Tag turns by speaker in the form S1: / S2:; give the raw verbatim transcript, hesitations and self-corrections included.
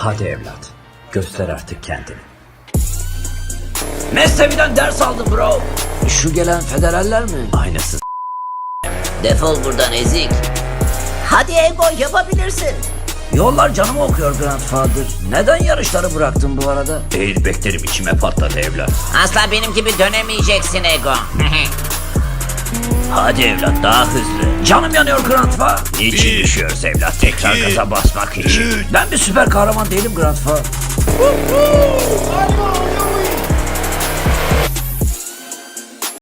S1: Hadi evlat, göster artık kendini. Mesnevi'den ders aldım bro. Şu gelen federaller mi? Aynısı.
S2: Defol buradan ezik. Hadi Ego, yapabilirsin.
S1: Yollar canımı okuyor Grandfather. Neden yarışları bıraktın bu arada? Airbag'lerim içime patladı evlat.
S2: Asla benim gibi dönemeyeceksin Ego.
S1: Hadi evlat, daha hızlı. Canım yanıyor Grandfa. Niçin
S3: Bir,
S1: düşüyoruz evlat? Tekrar
S3: iki,
S1: gaza basmak için.
S3: üç.
S1: Ben bir süper kahraman değilim Grandfa.